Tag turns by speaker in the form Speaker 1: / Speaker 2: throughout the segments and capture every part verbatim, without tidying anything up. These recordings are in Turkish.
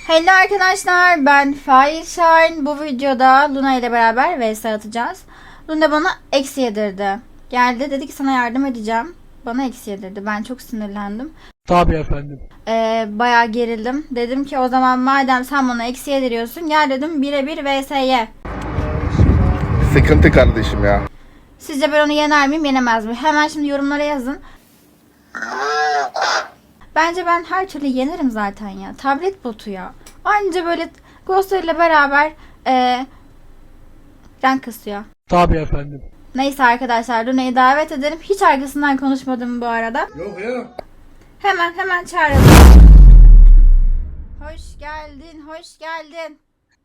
Speaker 1: Hello arkadaşlar, ben Fireshine. Bu videoda Luna ile beraber vs atacağız. Luna bana eksi yedirdi. Geldi dedi ki sana yardım edeceğim. Bana eksi yedirdi. Ben çok sinirlendim.
Speaker 2: Tabii efendim.
Speaker 1: Ee, bayağı gerildim. Dedim ki o zaman madem sen bana eksi yediriyorsun, gel dedim birebir vs'ye.
Speaker 3: Sıkıntı kardeşim ya.
Speaker 1: Sizce ben onu yener miyim, yenemez miyim? Hemen şimdi yorumlara yazın. Bence ben her türlü yenerim zaten ya. Tablet botu ya. Anca böyle Ghost'larıyla ile beraber e, rank kasıyor.
Speaker 2: Tabii efendim.
Speaker 1: Neyse arkadaşlar, Luna'yı davet edelim. Hiç arkasından konuşmadım bu arada.
Speaker 3: Yok ya.
Speaker 1: Hemen hemen çağıralım. Hoş geldin, hoş geldin.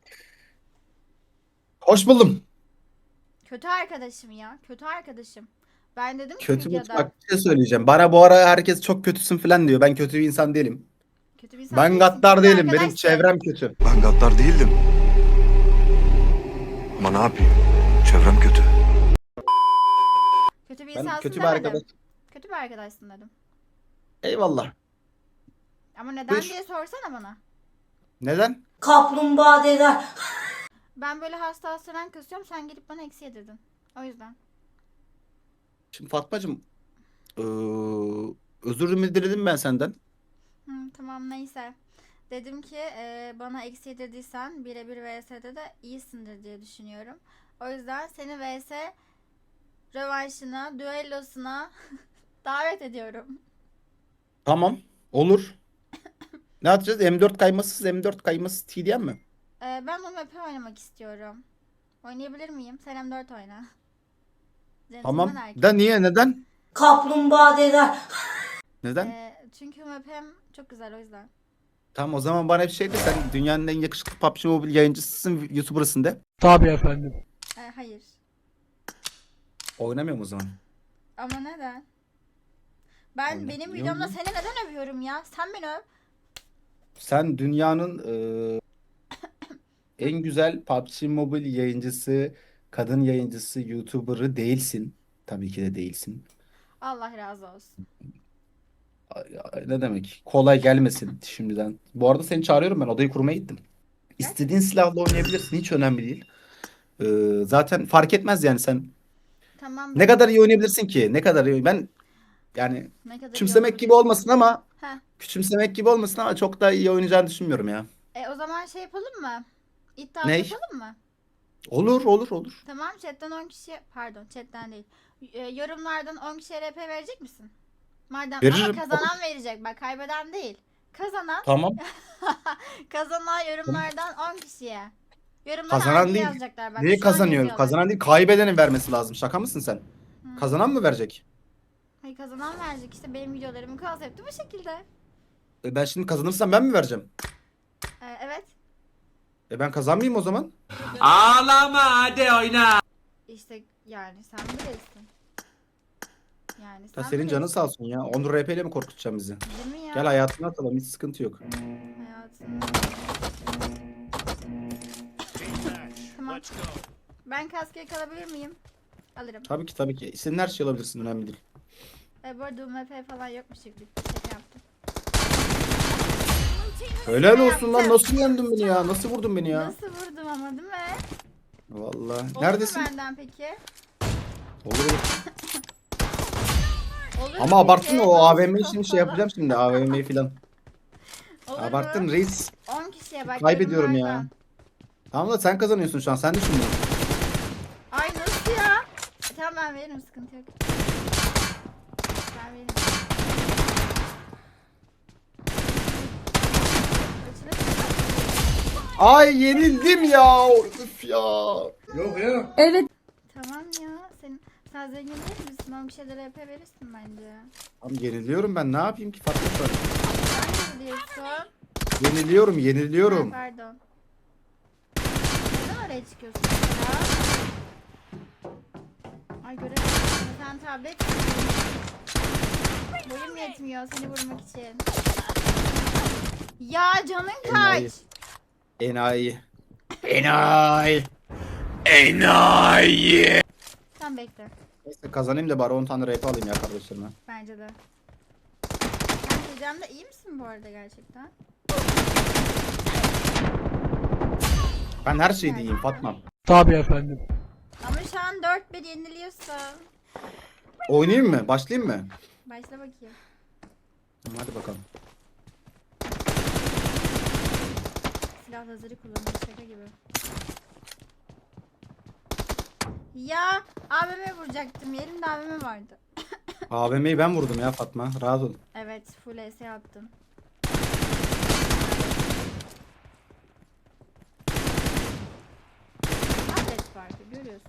Speaker 4: Hoş buldum.
Speaker 1: Kötü arkadaşım ya, kötü arkadaşım. Ben dedim ki
Speaker 4: Kötü
Speaker 1: videoda.
Speaker 4: bak bir şey söyleyeceğim. Bana bu ara herkes çok kötüsün falan diyor. Ben kötü bir insan değilim.
Speaker 1: Kötü bir insan
Speaker 4: Ben
Speaker 1: değilsin,
Speaker 4: gaddar
Speaker 1: kötü
Speaker 4: değilim. Benim
Speaker 1: arkadaşsın.
Speaker 4: çevrem kötü.
Speaker 5: Ben gaddar değildim. Ama ne yapayım? Çevrem kötü.
Speaker 1: Kötü bir
Speaker 4: Ben
Speaker 1: insansın
Speaker 4: kötü bir
Speaker 1: demedim.
Speaker 4: arkadaş.
Speaker 1: Kötü bir arkadaşsın dedim.
Speaker 4: Eyvallah.
Speaker 1: Ama neden
Speaker 4: Buyur.
Speaker 1: diye sorsana bana.
Speaker 4: Neden?
Speaker 6: Kaplumbağa deder.
Speaker 1: Ben böyle hasta hasta rank kasıyorum, sen gelip bana eksi yedirdin. O yüzden.
Speaker 4: Şimdi Fatmacığım, eee özür diledim ben senden.
Speaker 1: Hı, tamam neyse. Dedim ki e, bana eksi yedirdiysen birebir vs'de de iyisindir diye düşünüyorum. O yüzden seni vs rövanşına, düellosuna davet ediyorum.
Speaker 4: Tamam. Olur. Ne yapacağız? M dört kaymasız M dört kaymasız T D M mi?
Speaker 1: E, ben bu map'i oynamak istiyorum. Oynayabilir miyim? Sen M dört oyna.
Speaker 4: Tamam.
Speaker 1: Gentleman erkek.
Speaker 4: Da niye? Neden?
Speaker 6: Kaplumbağa deder.
Speaker 4: Neden?
Speaker 1: E, çünkü bu map hem çok güzel, o yüzden.
Speaker 4: Tamam, o zaman bana bir şey de, sen dünyanın en yakışıklı P U B G Mobile yayıncısısın, YouTuber'ısın de.
Speaker 2: Tabii efendim.
Speaker 1: E, hayır.
Speaker 4: Oynamıyorum o zaman.
Speaker 1: Ama neden? Ben
Speaker 4: Oynamıyorum
Speaker 1: benim videomda
Speaker 4: mu?
Speaker 1: seni neden övüyorum ya? Sen beni öv.
Speaker 4: Sen dünyanın eee, en güzel P U B G Mobile yayıncısı, kadın yayıncısı, YouTuber'ı değilsin. Tabii ki de değilsin.
Speaker 1: Allah razı olsun.
Speaker 4: Ay- ay, Ne demek? Kolay gelmesin şimdiden. Bu arada seni çağırıyorum, ben odayı kurmaya gittim. İstediğin silahla oynayabilirsin, hiç önemli değil. Eee, zaten fark etmez yani sen.
Speaker 1: Tamam.
Speaker 4: Ne
Speaker 1: ben-
Speaker 4: kadar iyi oynayabilirsin ki? Ne kadar iyi? Ben yani
Speaker 1: Ne kadar iyi
Speaker 4: küçümsemek gibi
Speaker 1: olabilir.
Speaker 4: olmasın ama
Speaker 1: Heh.
Speaker 4: küçümsemek gibi olmasın ama çok da iyi oynayacağını düşünmüyorum ya.
Speaker 1: E o zaman şey yapalım mı? İddia
Speaker 4: Ney?
Speaker 1: yapalım mı?
Speaker 4: Olur olur olur.
Speaker 1: Tamam, chatten on kişi, pardon chatten değil. E, yorumlardan on kişiye R P verecek misin? Madem
Speaker 4: Veririm.
Speaker 1: ama kazanan verecek, bak kaybeden değil. Kazanan
Speaker 4: Tamam.
Speaker 1: kazanan yorumlardan on kişiye. Yorumlara
Speaker 4: Kazanan
Speaker 1: I D
Speaker 4: değil.
Speaker 1: yazacaklar bak.
Speaker 4: Niye
Speaker 1: şu an
Speaker 4: kazanıyor?
Speaker 1: yazıyorlar.
Speaker 4: Kazanan değil, kaybedenin vermesi lazım. Şaka mısın sen?
Speaker 1: Hı.
Speaker 4: Kazanan mı verecek?
Speaker 1: Hayır, kazanan verecek işte, benim videolarımın konsepti bu şekilde.
Speaker 4: E ben şimdi kazanırsam ben mi vereceğim?
Speaker 1: E, evet.
Speaker 4: E ben kazanmayayım o zaman.
Speaker 1: İşte yani sen bilirsin. Yani sen
Speaker 4: Ya senin canın sağ olsun ya. Onur R P ile mi korkutacaksın bizi?
Speaker 1: Değil mi ya?
Speaker 4: Gel hayatına atalım, hiç sıkıntı yok.
Speaker 1: Hayatım. Tamam. Ben kaskeye kalabilir miyim? Alırım.
Speaker 4: Tabii ki tabii ki. İstediğin her şey alabilirsin, önemli değil.
Speaker 1: E, bu arada U M P falan yokmuş gibi. Şaka yaptım.
Speaker 4: Helal olsun lan, nasıl yendin beni ya? Nasıl vurdun beni ya?
Speaker 1: Nasıl vurdum ama, değil mi?
Speaker 4: Vallahi.
Speaker 1: Olur
Speaker 4: Neredesin?
Speaker 1: mu benden peki?
Speaker 4: Olur olur.
Speaker 1: Olur
Speaker 4: Ama
Speaker 1: mu
Speaker 4: abarttın
Speaker 1: peki?
Speaker 4: o A V M
Speaker 1: Nasıl
Speaker 4: için şey
Speaker 1: kafalı?
Speaker 4: yapacağım şimdi, A V M'yi falan.
Speaker 1: Olur
Speaker 4: Abarttın
Speaker 1: mu?
Speaker 4: reis.
Speaker 1: on kişiye bak.
Speaker 4: Kaybediyorum ya.
Speaker 1: yorumlardan.
Speaker 4: Tamam da sen kazanıyorsun şu an, sen düşün bunu.
Speaker 1: Ay nasıl ya? E, tamam ben veririm, sıkıntı yok. Ben veririm. Kaçına çıkar.
Speaker 4: Ay yenildim ya. Üf ya.
Speaker 3: Yok ya.
Speaker 1: Tamam ya. Sen, sen zengin değil misin? on kişiye de R P verirsin bence.
Speaker 4: Tamam, yeniliyorum ben, ne yapayım ki Fatma şu an?
Speaker 1: Sen ne diyorsun?
Speaker 4: Yeniliyorum
Speaker 1: Ha,
Speaker 4: yeniliyorum.
Speaker 1: pardon. Neden oraya çıkıyorsun ya? Ay göremedim. Sen tablet. Boyum yetmiyor seni vurmak için. Ya canın
Speaker 4: Enayi.
Speaker 1: kaç?
Speaker 4: Enayi. Enayi. Enayi.
Speaker 1: Sen bekle.
Speaker 4: Neyse kazanayım da bari on tane R P alayım ya kardeşlerime.
Speaker 1: Bence de. Sen Tecem'de iyi misin bu arada gerçekten?
Speaker 4: Ben her şeyde iyiyim Fatma.
Speaker 2: Tabii efendim.
Speaker 1: Ama şu an dört bir yeniliyorsun.
Speaker 4: Oynayayım mı? Başlayayım mı?
Speaker 1: Başla bakayım.
Speaker 4: Tamam, hadi bakalım.
Speaker 1: Silah lazeri kullanıyor şaka gibi. Ya A V M vuracaktım. Yerimde A V M vardı.
Speaker 4: A V M'yi ben vurdum ya Fatma. Rahat ol.
Speaker 1: Evet, full E S attım. Tablet farkı görüyorsun.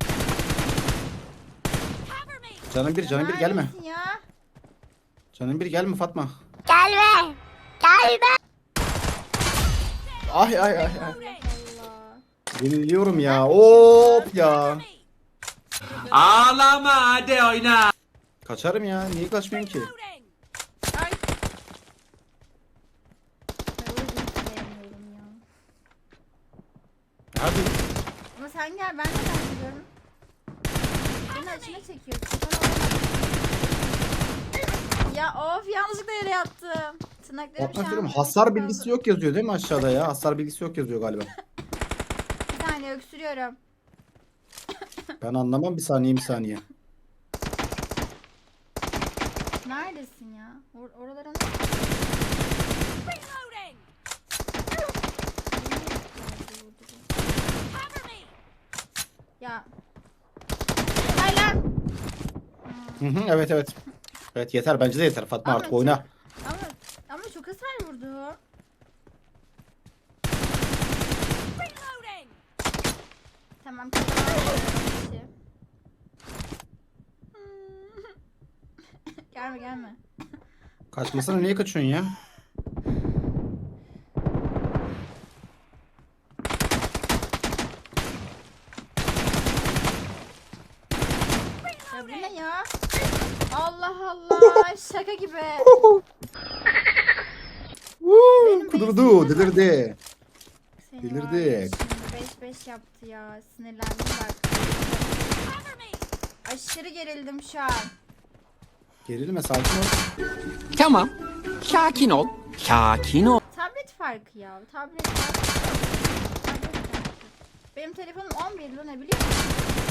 Speaker 4: Canım bir, canım bir gelme.
Speaker 1: Neredesin ya?
Speaker 4: Canım bir gelme Fatma.
Speaker 1: Gelme. Gelme.
Speaker 4: Ay ay ay ay.
Speaker 1: Allah.
Speaker 4: Yeniliyorum ya. Hop ya.
Speaker 7: Ağlama hadi oyna.
Speaker 4: Kaçarım ya. Niye kaçmayayım ki?
Speaker 1: Ay. Ben o yüzden hiç sevmiyorum ya.
Speaker 4: Hadi.
Speaker 1: Ama sen gel, ben de ben gidiyorum. Beni açına çekiyorsun. Ya of, yanlışlıkla yere yattım. Tırnaklarım
Speaker 4: Fatma
Speaker 1: şu
Speaker 4: diyorum,
Speaker 1: an...
Speaker 4: hasar bilgisi yok yazıyor değil mi aşağıda ya? Hasar bilgisi yok yazıyor galiba.
Speaker 1: Bir saniye öksürüyorum.
Speaker 4: Ben anlamam, bir saniye bir saniye.
Speaker 1: Neredesin ya? Or oralara ne? Ya. Hay lan.
Speaker 4: Hı hı, evet evet. Evet yeter, bence de yeter Fatma,
Speaker 1: Ama
Speaker 4: artık
Speaker 1: çok-
Speaker 4: oyna.
Speaker 1: Ama ama çok hasar vurdu. Tamam. kazandım. Gelme gelme.
Speaker 4: Kaçmasana, niye kaçıyorsun ya?
Speaker 1: Ya bu ne ya? Allah Allah, şaka gibi. Benim
Speaker 4: Kudurdu,
Speaker 1: base'imde
Speaker 4: delirdi.
Speaker 1: Seni
Speaker 4: Delirdik.
Speaker 1: var ya, şimdi beş beş yaptı ya. Sinirlendim bak. Aşırı gerildim şu an.
Speaker 4: Gerilme, sakin ol.
Speaker 7: Tamam. Sakin ol. Sakin ol.
Speaker 1: Tablet farkı ya. Tablet farkı. Tablet farkı. Benim telefonum on bir lan, ne biliyor musun?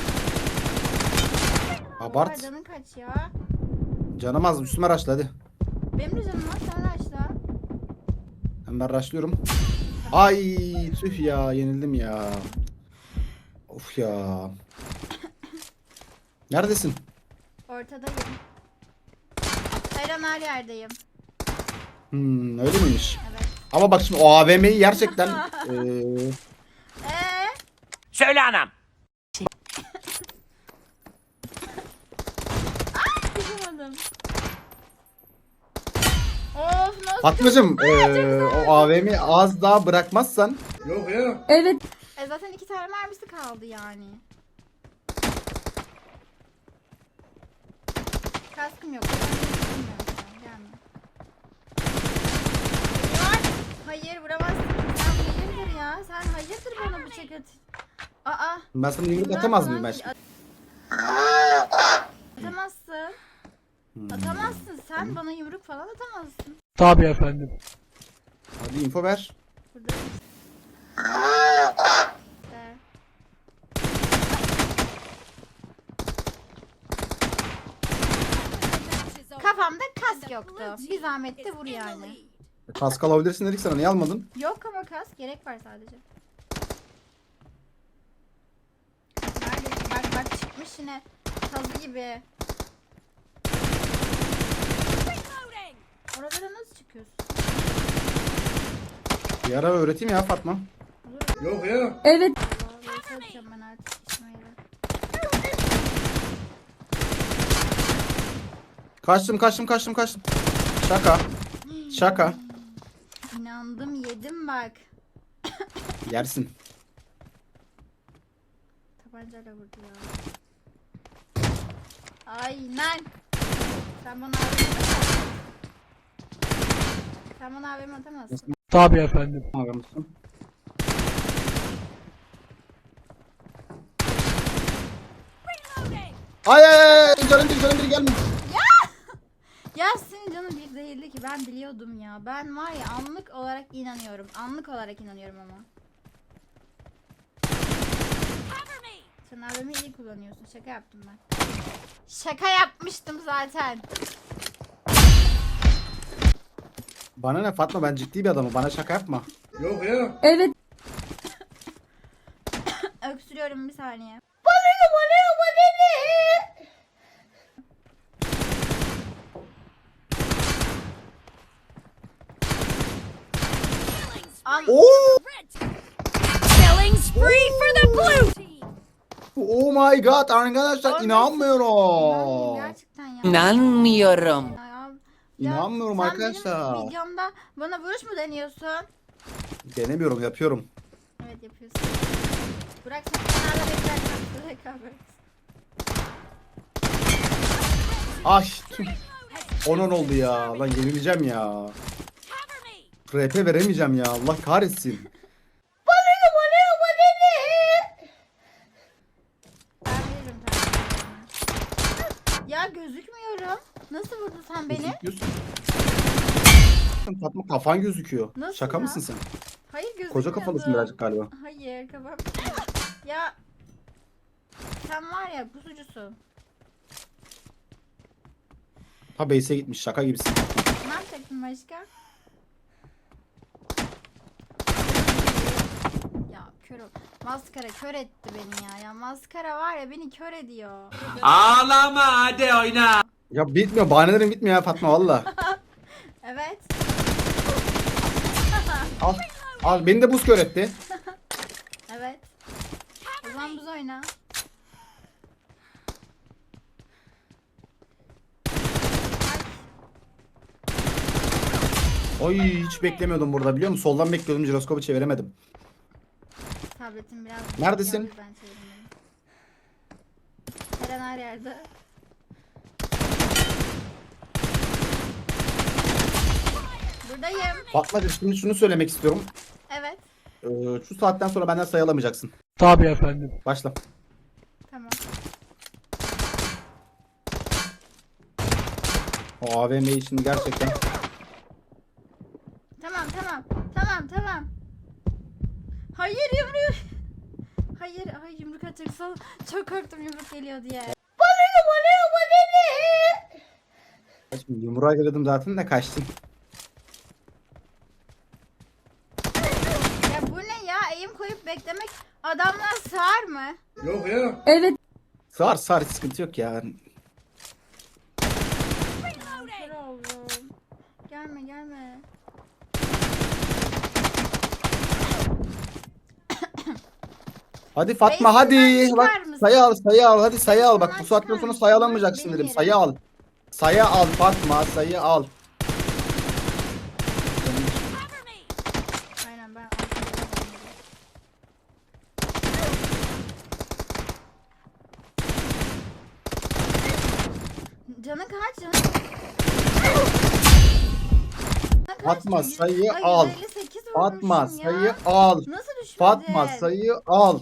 Speaker 4: Abart.
Speaker 1: Oha, canın kaç ya?
Speaker 4: Canım az, üstüme raşla hadi.
Speaker 1: Benim de canım var, sen açla.
Speaker 4: Hemen raşlıyorum. Ay tüh ya, yenildim ya. Of ya. Neredesin?
Speaker 1: Ortadayım. Her an her yerdeyim.
Speaker 4: Hmm, öyle miymiş?
Speaker 1: Evet.
Speaker 4: Ama bak şimdi o A V M'yi gerçekten eee
Speaker 1: Eee?
Speaker 7: Söyle anam.
Speaker 1: Yapamadım. Of, nasıl?
Speaker 4: Fatmacığım eee, o A V M'yi az daha bırakmazsan
Speaker 3: Yok ya.
Speaker 1: E zaten iki tane mermisi kaldı yani. Kaskım yok. Gelme. Var. Hayır, vuramazsın. Sen hayırdır ya? Sen hayırdır bana bıçak at. Aa.
Speaker 4: ben sana yumruk
Speaker 1: bundan
Speaker 4: atamaz
Speaker 1: falan
Speaker 4: mıyım ben
Speaker 1: değil.
Speaker 4: şimdi?
Speaker 1: At- Atamazsın.
Speaker 4: Hmm.
Speaker 1: Atamazsın. Sen bana yumruk falan atamazsın.
Speaker 2: Tabii efendim.
Speaker 4: Hadi info ver.
Speaker 1: Burada. İşte. Kafamda kask yoktu. Bir zahmet de vur yani.
Speaker 4: Kask alabilirsin dedik sana, niye almadın?
Speaker 1: Yok ama kask gerek var sadece. Neredesin? Bak bak, çıkmış yine kazı gibi. Oralara nasıl çıkıyorsun?
Speaker 4: Bir ara öğreteyim ya Fatma.
Speaker 1: Olur mu?
Speaker 3: Yok ya.
Speaker 1: Allah, böyle atacağım ben artık İsmail'e.
Speaker 4: Kaçtım kaçtım kaçtım kaçtım. Şaka. Şaka.
Speaker 1: İnandım, yedim bak.
Speaker 4: Yersin.
Speaker 1: Tabancayla vurdu ya. Aynen. Sen bana A V M atamazsın. Sen bana A V M atamazsın.
Speaker 2: Tabii efendim.
Speaker 4: Abi mısın? Ay ay ay, canım bir canım bir gelme.
Speaker 1: Ya senin canın bir değildi ki, ben biliyordum ya. Ben var ya, anlık olarak inanıyorum. Anlık olarak inanıyorum ama. Sen A V M'yi iyi kullanıyorsun. Şaka yaptım ben. Şaka yapmıştım zaten.
Speaker 4: Bana ne Fatma, ben ciddi bir adamım. Bana şaka yapma.
Speaker 3: Yok ya.
Speaker 1: Öksürüyorum bir saniye. Am
Speaker 4: Oo!
Speaker 8: Killing spree for the blue team.
Speaker 4: Oh my god arkadaşlar,
Speaker 1: Olmasın.
Speaker 4: inanmıyorum.
Speaker 1: İnanmıyorum gerçekten ya.
Speaker 7: İnanmıyorum.
Speaker 1: Ya, ya.
Speaker 4: İnanmıyorum
Speaker 1: sen
Speaker 4: arkadaşlar.
Speaker 1: benim videomda bana vuruş mu deniyorsun?
Speaker 4: Denemiyorum, yapıyorum.
Speaker 1: Evet yapıyorsun. Bırak sen kenarda beklerken rekabet.
Speaker 4: Ay tüh. Onun oldu ya. Lan yenileceğim ya.
Speaker 8: Cover me.
Speaker 4: R P veremeyeceğim ya. Allah kahretsin.
Speaker 1: Ben veririm tabii. Ya gözükmüyorum. Nasıl vurdun sen beni?
Speaker 4: Gözüküyorsun. Fatma kafan gözüküyor.
Speaker 1: Nasıl
Speaker 4: Şaka
Speaker 1: ya?
Speaker 4: mısın sen?
Speaker 1: Hayır gözükmüyordu.
Speaker 4: Koca kafalısın birazcık galiba.
Speaker 1: Hayır kafam. Ya sen var ya pusucusun.
Speaker 4: Ha base'e gitmiş, şaka gibisin.
Speaker 1: Ne yapacaktın başka? Ya kör ol. Maskara kör etti beni ya. Ya maskara var ya beni kör ediyor.
Speaker 7: Ağlama hadi oyna.
Speaker 4: Ya bitmiyor, bahanelerin bitmiyor ya Fatma valla.
Speaker 1: Evet.
Speaker 4: Al. Al beni de buz kör etti.
Speaker 1: Evet. O zaman buz oyna.
Speaker 4: Oy hiç beklemiyordum burada, biliyor musun? Soldan bekliyordum, jiroskopu çeviremedim.
Speaker 1: Tabletim biraz...
Speaker 4: Neredesin?
Speaker 1: O yüzden çevirmedim. Eren her yerde. Buradayım.
Speaker 4: Fatmacığım şimdi şunu söylemek istiyorum.
Speaker 1: Evet.
Speaker 4: Ee, şu saatten sonra benden sayı alamayacaksın.
Speaker 2: Tabii efendim.
Speaker 4: Başla.
Speaker 1: Tamam.
Speaker 4: O A V M için gerçekten.
Speaker 1: Tamam tamam. Tamam tamam. Hayır yumruk. Hayır, ay yumruk atacaksa çok korktum yumruk geliyor diye.
Speaker 4: Şimdi yumruğa geledim zaten de kaçtın.
Speaker 1: Ya bu ne ya? Eğim koyup beklemek adamlar sığar mı?
Speaker 3: Yok ya.
Speaker 4: Sar sar, hiç sıkıntı yok ya.
Speaker 1: Kör oldum. Gelme gelme.
Speaker 4: Hadi Fatma
Speaker 1: Base'inden
Speaker 4: hadi.
Speaker 1: çıkar
Speaker 4: Bak
Speaker 1: mısın?
Speaker 4: sayı al, sayı al, hadi sayı al. Bak bu
Speaker 1: Base'inden
Speaker 4: saatten
Speaker 1: çıkar
Speaker 4: sonra
Speaker 1: mısın?
Speaker 4: sayı
Speaker 1: Burası
Speaker 4: alamayacaksın
Speaker 1: benim
Speaker 4: dedim.
Speaker 1: yerim.
Speaker 4: Sayı al. Sayı al Fatma, sayı al.
Speaker 8: Cover me.
Speaker 1: Aynen ben arkaya bakıyorum. Canın kaç canın? Canın kaç?
Speaker 4: Fatma,
Speaker 1: Yüz-
Speaker 4: sayıyı
Speaker 1: Ay,
Speaker 4: al.
Speaker 1: yüz elli sekiz
Speaker 4: Fatma
Speaker 1: vurmuşum ya.
Speaker 4: sayı al.
Speaker 1: Nasıl düşmedi?
Speaker 4: Fatma sayı al.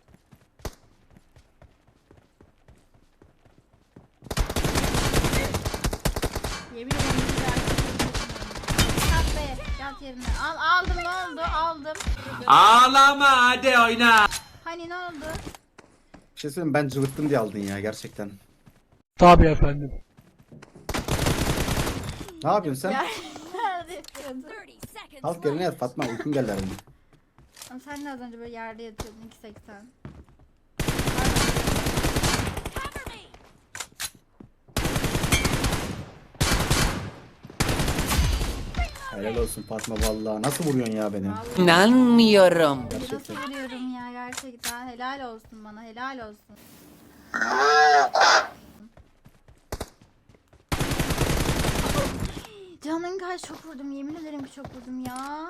Speaker 1: Yemin ederim güzel. Yat be, yat yerine. Al, aldım ne oldu? Aldım.
Speaker 7: Ağlama hadi oyna.
Speaker 1: Hani ne oldu?
Speaker 4: Bir şey söyleyeyim mi? Ben cıvıttım diye aldın ya gerçekten.
Speaker 2: Tabii efendim.
Speaker 4: Ne yapıyorsun sen?
Speaker 1: Ya, nerede yapıyordun?
Speaker 8: thirty seconds
Speaker 4: Kalk yerine
Speaker 8: left.
Speaker 4: yat Fatma, uykun geldi herhalde.
Speaker 1: Ama sen de az önce böyle yerde yatıyordun iki seksen.
Speaker 8: Cover me.
Speaker 4: Helal olsun Fatma vallahi. Nasıl vuruyorsun ya beni?
Speaker 1: Vallahi
Speaker 7: İnanmıyorum.
Speaker 1: nasıl vuruyorum ya gerçekten. Helal olsun bana, helal olsun. Canın kaç, çok vurdum, yemin ederim ki çok vurdum ya.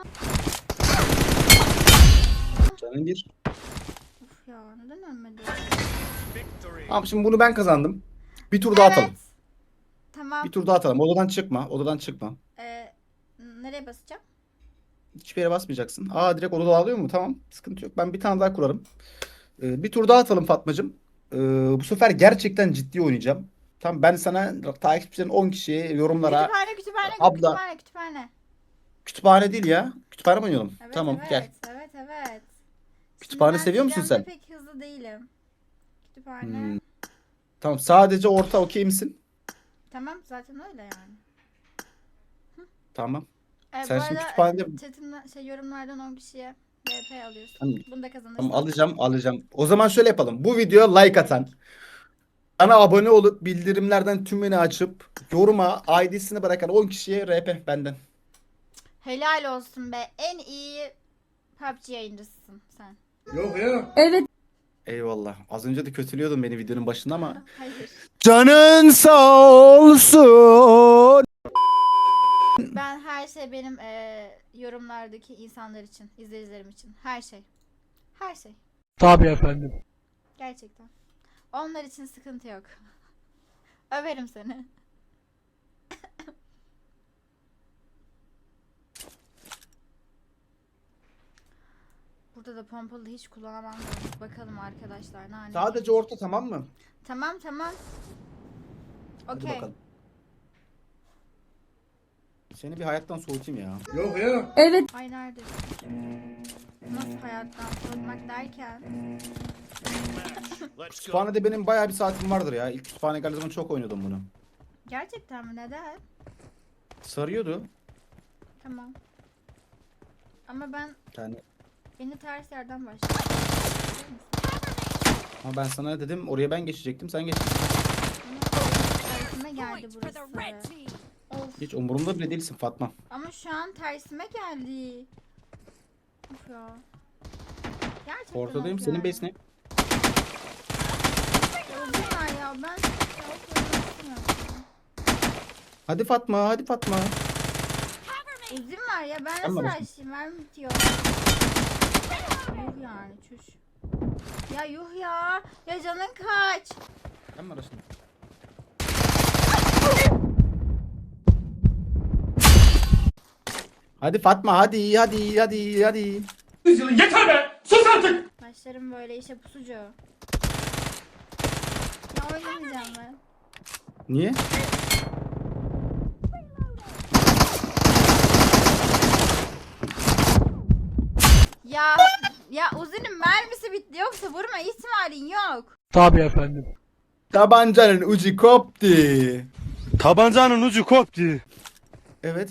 Speaker 4: Canın bir.
Speaker 1: Uf ya, neden ölmedi?
Speaker 4: Tamam şimdi bunu ben kazandım. Bir tur daha atalım.
Speaker 1: Evet. Tamam.
Speaker 4: Bir tur daha atalım. Odadan çıkma. Odadan çıkma.
Speaker 1: Ee, nereye basacağım?
Speaker 4: Hiçbir yere basmayacaksın. Aa direkt odada alıyor mu? Tamam. Sıkıntı yok. Ben bir tane daha kurarım. Ee, bir tur daha atalım Fatmacığım. Ee, bu sefer gerçekten ciddi oynayacağım. Tamam ben sana takipçilerin on kişiye yorumlara
Speaker 1: Kütüphane, kütüphane,
Speaker 4: Abla.
Speaker 1: kütüphane, kütüphane.
Speaker 4: kütüphane değil ya. Kütüphane mi oynayalım?
Speaker 1: Evet,
Speaker 4: Tamam
Speaker 1: evet,
Speaker 4: gel.
Speaker 1: Evet, evet.
Speaker 4: Kütüphane
Speaker 1: Şimdi ben
Speaker 4: seviyor musun
Speaker 1: çevremde
Speaker 4: sen?
Speaker 1: pek hızlı değilim. kütüphane.
Speaker 4: Hmm. Tamam, sadece orta okey misin?
Speaker 1: Tamam zaten öyle yani.
Speaker 4: Tamam.
Speaker 1: E,
Speaker 4: Sen
Speaker 1: bu
Speaker 4: şimdi
Speaker 1: arada
Speaker 4: kütüphanede-
Speaker 1: e, chatimden, şey, yorumlardan on kişiye V P alıyorsun.
Speaker 4: Tamam.
Speaker 1: Bunu da kazanırsın.
Speaker 4: Tamam, alacağım alacağım. O zaman şöyle yapalım. Bu videoya like atan, bana abone olup bildirimlerden tümünü açıp yoruma I D'sini bırakan on kişiye R P benden.
Speaker 1: Helal olsun be. En iyi P U B G yayıncısın sen.
Speaker 3: Yok ya.
Speaker 4: Eyvallah. Az önce de kötülüyordun beni videonun başında ama.
Speaker 1: Hayır.
Speaker 4: Canın sağ olsun.
Speaker 1: Ben her şey benim e, yorumlardaki insanlar için, izleyicilerim için. Her şey. Her şey.
Speaker 2: Tabii efendim.
Speaker 1: Gerçekten. Onlar için sıkıntı yok. Överim seni. Burada da pompalı hiç kullanamam. da. Bakalım arkadaşlar. Nane.
Speaker 4: Sadece orta, tamam mı?
Speaker 1: Tamam tamam.
Speaker 4: Hadi
Speaker 1: Okey.
Speaker 4: bakalım. Seni bir hayattan soğutayım ya.
Speaker 3: Yok ya.
Speaker 1: Ay nerede? Nasıl hayattan soğutmak derken?
Speaker 4: Kütüphanede benim bayağı bir saatim vardır ya. İlk kütüphane geldiği zaman çok oynuyordum bunu.
Speaker 1: Gerçekten mi? Neden?
Speaker 4: Sarıyordu.
Speaker 1: Tamam. Ama ben
Speaker 4: Yani
Speaker 1: beni ters yerden başladım.
Speaker 4: ama ben sana dedim oraya ben geçecektim, sen geç.
Speaker 1: Tersime geldi
Speaker 8: Point for the red
Speaker 1: burası.
Speaker 8: team.
Speaker 1: Of.
Speaker 4: Hiç umurumda bile değilsin Fatma.
Speaker 1: Ama şu an tersime geldi. Of ya. Gerçekten
Speaker 4: Ortadayım,
Speaker 1: of
Speaker 4: senin
Speaker 1: yani.
Speaker 4: base ne?
Speaker 1: Öldüler ya ben. Ya, of, öldürsün.
Speaker 4: Hadi Fatma, hadi Fatma.
Speaker 8: Cover me.
Speaker 1: Uzun var ya ben
Speaker 4: Tamam,
Speaker 1: nasıl
Speaker 4: başım.
Speaker 1: açayım ver bitiyor. Yuh yani çüş. Ya yuh ya. Ya canın kaç.
Speaker 4: Ben mi arasın? Hadi Fatma, hadi hadi hadi hadi.
Speaker 2: Yeter be! Sus artık!
Speaker 1: Başlarım böyle işe pusucu. Ya oynamayacağım ben.
Speaker 4: Niye?
Speaker 1: Ya ya Uzi'nin mermisi bitti yoksa vurma ihtimalin yok.
Speaker 2: Tabii efendim.
Speaker 4: Tabancanın ucu koptu.
Speaker 5: Tabancanın ucu koptu.
Speaker 4: Evet.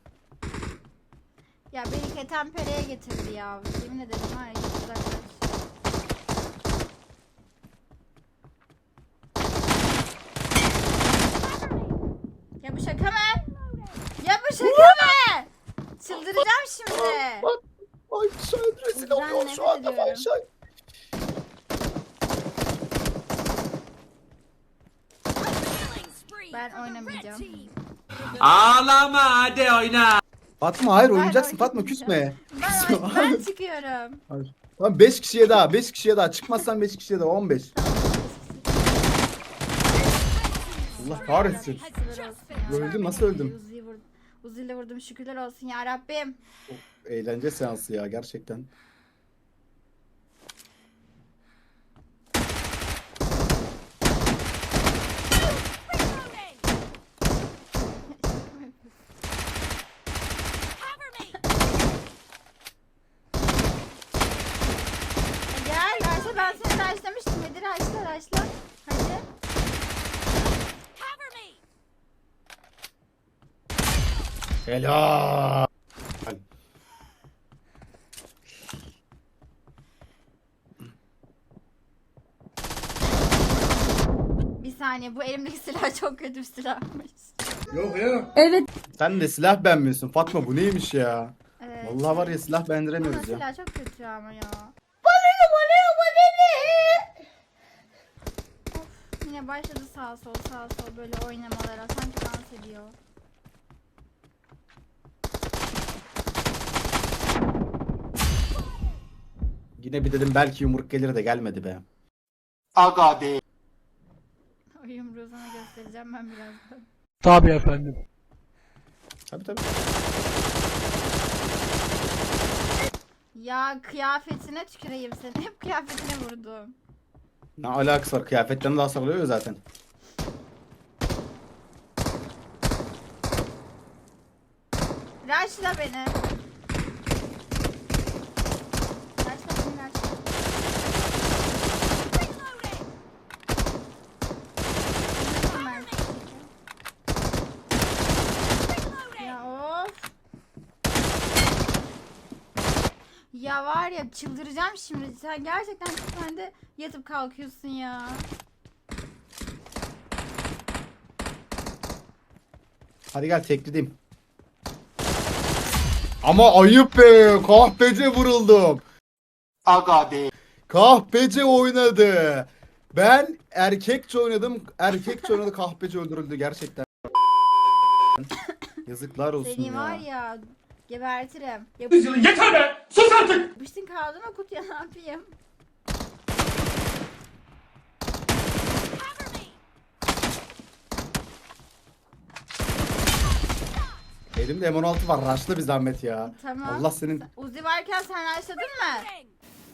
Speaker 1: Ya beni ketenpereye getirdi ya. Yemin ederim var ya git uzaklaş. Ya bu şaka mı? Ya bu şaka mı? Çıldıracağım şimdi.
Speaker 4: Ay Şahin rezil
Speaker 1: Ben
Speaker 4: oluyor
Speaker 1: nefret
Speaker 4: şu anda
Speaker 1: ediyorum.
Speaker 4: ben Şahin.
Speaker 8: Killing spree
Speaker 1: Ben
Speaker 8: for the red
Speaker 1: oynamayacağım.
Speaker 8: team.
Speaker 7: Ağlama hadi oyna.
Speaker 4: Fatma hayır
Speaker 1: Ben
Speaker 4: oynayacaksın Fatma
Speaker 1: oynamayacağım.
Speaker 4: küsme.
Speaker 1: Ben, ben çıkıyorum.
Speaker 4: Tamam beş kişiye daha beş kişiye daha çıkmazsan beş kişiye daha on beş. Allah kahretsin.
Speaker 1: Şükürler olsun ya.
Speaker 4: Öldüm, nasıl öldüm?
Speaker 1: Uzi'yi vurdum. Uzi'yle vurdum şükürler olsun ya Rabbim.
Speaker 4: Eğlence seansı ya gerçekten.
Speaker 8: Cover me.
Speaker 1: Gel Raşla ben seni raşlamıştım. Hadi raşla raşla. Hadi.
Speaker 8: Cover me.
Speaker 4: Helal.
Speaker 1: Bir saniye bu elimdeki silah çok kötü bir silahmış.
Speaker 3: Yok ya.
Speaker 4: Sen de silah beğenmiyorsun Fatma, bu neymiş ya?
Speaker 1: Evet.
Speaker 4: Vallahi var ya silah
Speaker 1: Ama
Speaker 4: beğendiremiyoruz ya.
Speaker 1: silah çok kötü ama ya. Of, yine başladı sağ sol sağ sol böyle oynamalara sanki dans ediyor.
Speaker 4: Yine bir dedim belki yumruk gelir de gelmedi be.
Speaker 1: O yumruğu sana göstereceğim ben birazdan.
Speaker 2: Tabii efendim.
Speaker 4: Tabii tabii.
Speaker 1: Ya kıyafetine tüküreyim seni. Hep kıyafetine vurdum.
Speaker 4: Ne alakası var, kıyafetten daha sarılıyor ya zaten.
Speaker 1: Raşla beni. Raşla beni raşla.
Speaker 8: Reloading.
Speaker 1: Ya var ya çıldıracağım şimdi. Sen gerçekten sen de yatıp kalkıyorsun ya.
Speaker 4: Hadi gel teklideyim. Ama ayıp be. Kahpece vuruldum. Aga be. Kahpece oynadı. Ben erkekçe oynadım. Erkekçe oynadı. Kahpece öldürüldü gerçekten. Yazıklar olsun
Speaker 1: Seni
Speaker 4: ya.
Speaker 1: var ya gebertirim.
Speaker 2: Yılı yeter be. Sus artık.
Speaker 1: Yapıştın kaldın o kutuya ne yapayım?
Speaker 8: Cover me.
Speaker 4: Elimde M on altı var. Raşla bir zahmet ya.
Speaker 1: Tamam.
Speaker 4: Allah senin...
Speaker 1: Uzi varken sen raşladın mı?
Speaker 8: Ring.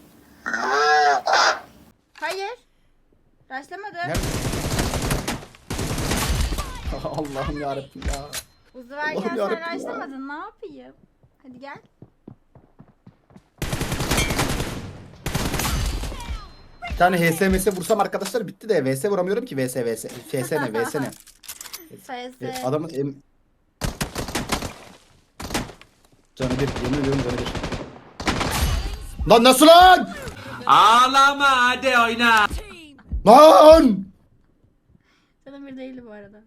Speaker 1: Hayır. Raşlamadım.
Speaker 4: Nerede? Allah'ım yarabbim ya.
Speaker 1: Uzi varken
Speaker 4: Allah'ım
Speaker 1: sen
Speaker 4: yarabbim ya.
Speaker 1: raşlamadın ne yapayım? Hadi gel.
Speaker 4: Bir tane H S M S vursam arkadaşlar bitti de V S vuramıyorum ki V S V S. V S ne V S ne?
Speaker 1: S
Speaker 4: E,
Speaker 1: S.
Speaker 4: Adamın em... Canı bir, yemin ediyorum canı bir. Lan nasıl lan?
Speaker 7: Ağlama hadi oyna.
Speaker 8: Team.
Speaker 4: Lan!
Speaker 1: Canım bir değil bu arada.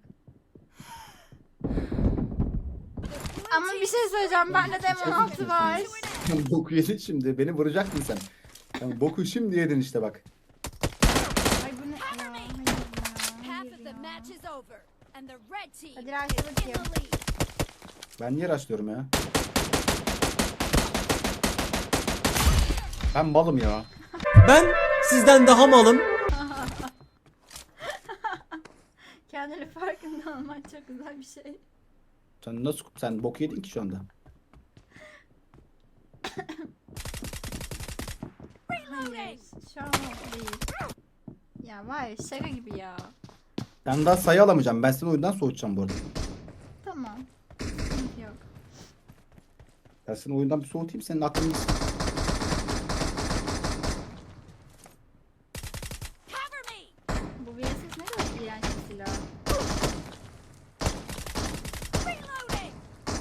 Speaker 1: Ama bir şey söyleyeceğim. Bende de M on altı var.
Speaker 4: Sen boku yedin şimdi. Beni vuracaktın sen. Sen boku şimdi yedin işte bak.
Speaker 1: Ay bu ne? Ya, hayır ya,
Speaker 8: Half
Speaker 1: hayır
Speaker 8: of the
Speaker 1: ya.
Speaker 8: match is over, and the red team
Speaker 1: Hadi
Speaker 8: is
Speaker 1: raşla
Speaker 8: in
Speaker 1: bakayım.
Speaker 8: the lead.
Speaker 4: Ben niye raşlıyorum ya? Ben malım ya.
Speaker 9: Ben sizden daha malım.
Speaker 1: Kendini farkında olman çok güzel bir şey.
Speaker 4: Sen nasıl sen boku yedin ki şu anda?
Speaker 1: Hayır. Şu an değil. Ya var ya şaka gibi ya.
Speaker 4: Ben daha sayı alamayacağım. Ben seni oyundan soğutacağım bu arada.
Speaker 1: Tamam. Sıkıntı yok.
Speaker 4: Ben seni oyundan bir soğutayım senin aklını.
Speaker 8: Cover me.
Speaker 1: Bu V S S ne kadar iğrenç bir silah.
Speaker 8: Reloading.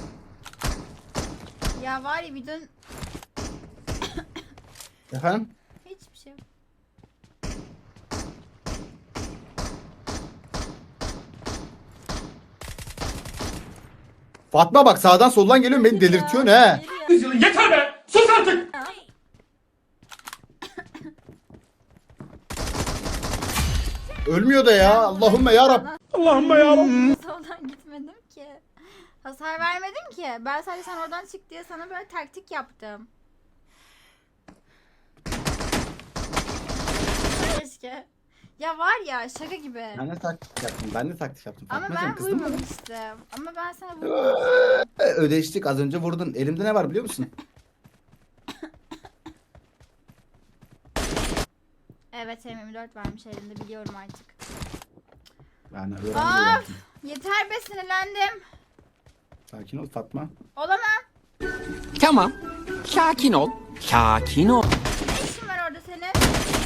Speaker 1: Ya var ya bir dön...
Speaker 4: Efendim?
Speaker 1: Hiçbir şey yok.
Speaker 4: Fatma bak sağdan soldan geliyorsun beni delirtiyorsun he.
Speaker 1: Hayır ya.
Speaker 2: Yılı yeter be. Sus artık.
Speaker 4: Ölmüyor da ya. Allahümme yarabbim.
Speaker 2: Allah'ım ya.
Speaker 1: Soldan gitmedim ki. Hasar vermedim ki. Ben sadece sen oradan çık diye sana böyle taktik yaptım. Keşke. Ya var ya şaka gibi.
Speaker 4: Ben de taktik yaptım. Ben de taktik yaptım.
Speaker 1: Ama
Speaker 4: Fatmacığım,
Speaker 1: ben
Speaker 4: kızdın mı?
Speaker 1: vurmamıştım. Ama ben sana vurmamıştım.
Speaker 4: Ee, Ödeştik az önce vurdun. Elimde ne var biliyor musun?
Speaker 1: Evet M yirmi dört varmış elimde biliyorum artık.
Speaker 4: Yani öğrendim.
Speaker 1: Of!
Speaker 4: öğrendim.
Speaker 1: Yeter be sinirlendim.
Speaker 4: Sakin ol Fatma.
Speaker 1: Olamam.
Speaker 7: Tamam. Sakin ol. Sakin ol.
Speaker 1: Ne işin var orada senin? Ay,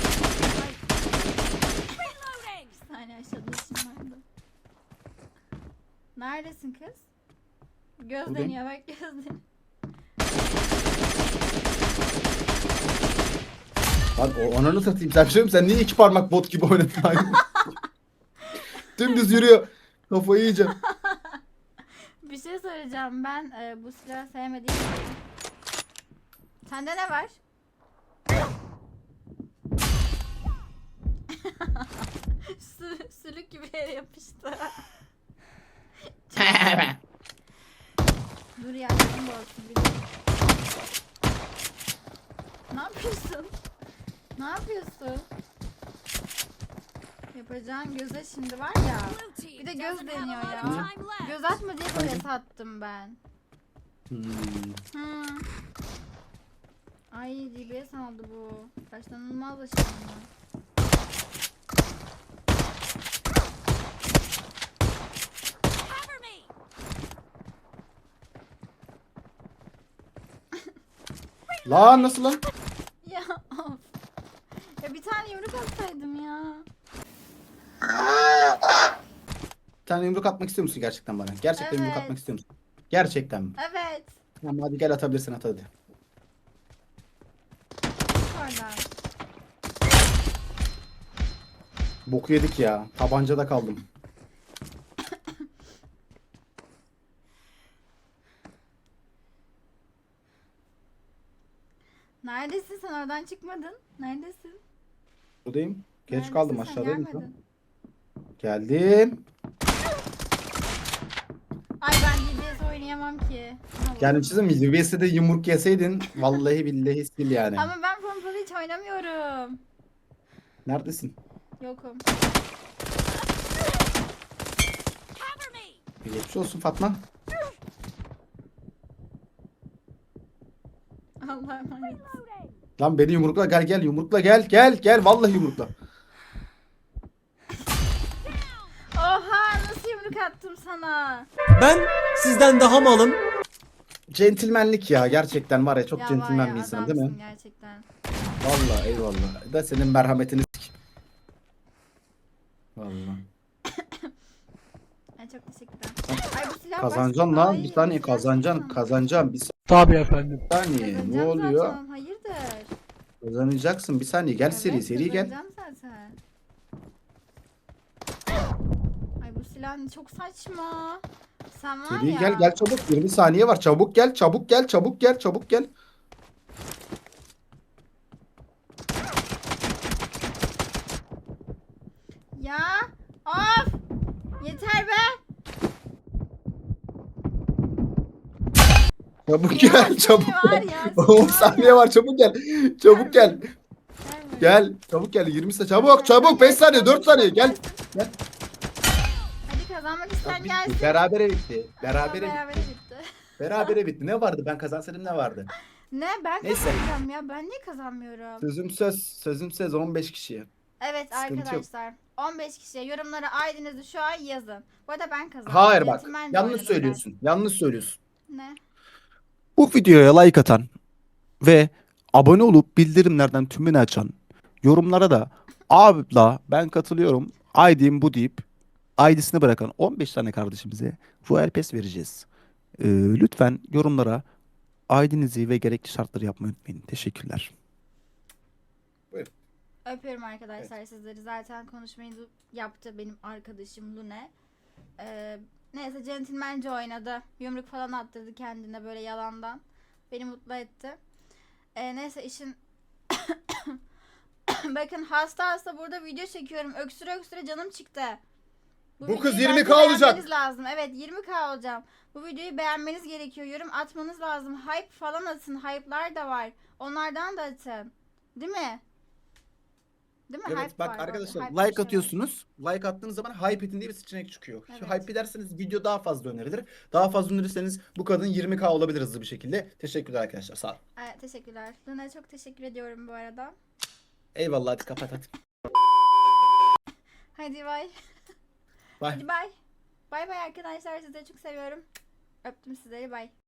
Speaker 8: Reloading.
Speaker 1: bir saniye aşağıda işim vardı. Neredesin kız? Göz
Speaker 4: Buradayım.
Speaker 1: deniyor bak göz deniyor.
Speaker 4: Lan o ananı satayım. Sen bir şey mi? Sen niye iki parmak bot gibi oynadın? Dümdüz yürüyor. Kafayı yiyeceğim.
Speaker 1: Bir şey söyleyeceğim ben e, bu silahı sevmediğim için. Sende ne var? Sü sülük gibi yere yapıştı. Dur ya canım olsun bir dur. Ne yapıyorsun? Ne yapıyorsun? Yapacağın göze şimdi var ya.
Speaker 8: Blue team
Speaker 1: Bir de göz
Speaker 8: doesn't have a
Speaker 1: deniyor
Speaker 8: lot
Speaker 1: ya.
Speaker 8: of time left.
Speaker 1: Göz atma diye böyle sattım ben.
Speaker 4: Hmm.
Speaker 1: Hmm. Ay D B S aldı bu. Başlanılmaz da şimdi.
Speaker 8: Cover me.
Speaker 4: Lan nasıl lan?
Speaker 1: Ya of. Ya bir tane yumruk atsaydım ya.
Speaker 4: Bir tane yumruk atmak istiyor musun gerçekten bana? Gerçekten yumruk
Speaker 1: Evet.
Speaker 4: atmak istiyor musun? Gerçekten mi?
Speaker 1: Evet.
Speaker 4: Tamam hadi gel atabilirsin at hadi. Boku yedik ya. Tabancada kaldım.
Speaker 1: Neredesin sen, oradan çıkmadın? Neredesin?
Speaker 4: Buradayım. Geç
Speaker 1: Neredesin
Speaker 4: kaldım,
Speaker 1: sen?
Speaker 4: aşağıdayım şu an.
Speaker 1: Gelmedin.
Speaker 4: Geldim.
Speaker 1: Ay ben D B S oynayamam ki. Ne
Speaker 4: Yani
Speaker 1: olur.
Speaker 4: çizim U B S'de yumruk yeseydin vallahi billahi sil yani.
Speaker 1: Ama ben pompalı hiç oynamıyorum.
Speaker 4: Neredesin?
Speaker 1: Yokum.
Speaker 8: Cover me.
Speaker 4: Geçmiş olsun Fatma.
Speaker 1: Allah'a emanet.
Speaker 4: Lan beni yumrukla, gel gel yumrukla, gel gel gel vallahi yumrukla.
Speaker 1: Oha, nasıl yumruk attım sana?
Speaker 9: Ben sizden daha malım.
Speaker 4: Centilmenlik ya, gerçekten var ya, çok
Speaker 1: Ya
Speaker 4: centilmen
Speaker 1: var
Speaker 4: bir
Speaker 1: ya,
Speaker 4: insan değil mi?
Speaker 1: adamsın gerçekten.
Speaker 4: Vallahi eyvallah. Da senin merhametini sik. Vallahi.
Speaker 1: Ay çok teşekkürler. Ay bu silah
Speaker 4: Kazanacaksın
Speaker 1: başka-
Speaker 4: lan,
Speaker 1: Ay,
Speaker 4: bir saniye
Speaker 1: silah
Speaker 4: kazanacaksın,
Speaker 1: sana.
Speaker 4: kazanacaksın bir
Speaker 5: Tabii efendim.
Speaker 4: saniye. Ne
Speaker 1: Kazanacağım
Speaker 4: oluyor?
Speaker 1: zaten, hayırdır?
Speaker 4: Kazanacaksın bir saniye, gel seri
Speaker 1: Evet,
Speaker 4: seri gel.
Speaker 1: kazanacağım zaten. Ay bu silah çok saçma. Sen var
Speaker 4: Seri
Speaker 1: ya.
Speaker 4: gel gel çabuk, yirmi saniye var, çabuk gel çabuk gel çabuk gel çabuk gel.
Speaker 1: Ya of! Yeter be!
Speaker 4: Çabuk
Speaker 1: Ya,
Speaker 4: gel
Speaker 1: seni
Speaker 4: çabuk
Speaker 1: var
Speaker 4: gel.
Speaker 1: ya, seni
Speaker 4: on
Speaker 1: var
Speaker 4: saniye
Speaker 1: ya.
Speaker 4: var, çabuk gel. Çabuk gel.
Speaker 1: Gel buraya.
Speaker 4: Gel çabuk gel, yirmi saniye çabuk çabuk, beş saniye, dört saniye gel. Gel.
Speaker 1: Hadi kazanmak isteyen
Speaker 4: Bitti.
Speaker 1: gelsin.
Speaker 4: Berabere bitti.
Speaker 1: Berabere
Speaker 4: Berabere
Speaker 1: bitti.
Speaker 4: bitti. Berabere bitti. Ne vardı? Ben kazansaydım ne vardı?
Speaker 1: Ne, ben
Speaker 4: Neyse.
Speaker 1: kazanacağım ya, ben niye kazanmıyorum?
Speaker 4: Sözüm söz, sözüm söz on beş kişiye.
Speaker 1: Evet
Speaker 4: Sıkıntı yok.
Speaker 1: arkadaşlar, on beş kişiye yorumlara I D'nizi şu an yazın. Bu arada ben kazandım.
Speaker 4: Hayır bak,
Speaker 1: Centilmence
Speaker 4: yanlış
Speaker 1: oynadım
Speaker 4: söylüyorsun. Yanlış söylüyorsun.
Speaker 1: ben. Ne?
Speaker 5: Bu videoya like atan ve abone olup bildirimlerden tümünü açan, yorumlara da abla ben katılıyorum, I D'm bu deyip I D'sini bırakan on beş tane kardeşimize Royal Pass vereceğiz. Ee, lütfen yorumlara I D'nizi ve gerekli şartları yapmayı unutmayın. Teşekkürler.
Speaker 1: Öpüyorum arkadaşlar sizleri. Zaten konuşmayı du- yaptı benim arkadaşım Lune. Ee, neyse centilmence oynadı. Yumruk falan attırdı kendine böyle yalandan. Beni mutlu etti. Ee, neyse işin... Bakın hasta hasta burada video çekiyorum. Öksüre öksüre canım çıktı.
Speaker 4: Bu
Speaker 1: videoyu
Speaker 4: kız
Speaker 1: bence
Speaker 4: yirmi K olacak.
Speaker 1: beğenmeniz lazım. Evet yirmi K olacağım. Bu videoyu beğenmeniz gerekiyor. Yorum atmanız lazım. Hype falan atın. Hype'lar da var. Onlardan da atın. Değil mi? Değil mi?
Speaker 4: Evet
Speaker 1: Hype
Speaker 4: bak
Speaker 1: var
Speaker 4: arkadaşlar,
Speaker 1: orada. Hype bir şey
Speaker 4: like
Speaker 1: var.
Speaker 4: atıyorsunuz. Like attığınız zaman hype edin diye bir seçenek çıkıyor. Şu
Speaker 1: Evet.
Speaker 4: hype ederseniz video daha fazla önerilir. Daha fazla önerirseniz bu kadın yirmi K olabilir hızlı bir şekilde. Teşekkürler arkadaşlar, sağ olun.
Speaker 1: Evet, teşekkürler. Luna çok teşekkür ediyorum bu arada.
Speaker 4: Eyvallah, hadi kapat hadi.
Speaker 1: Hadi bay.
Speaker 4: Bye.
Speaker 1: Hadi bay. Bay bay arkadaşlar. Sizleri çok seviyorum. Öptüm sizleri. Bay.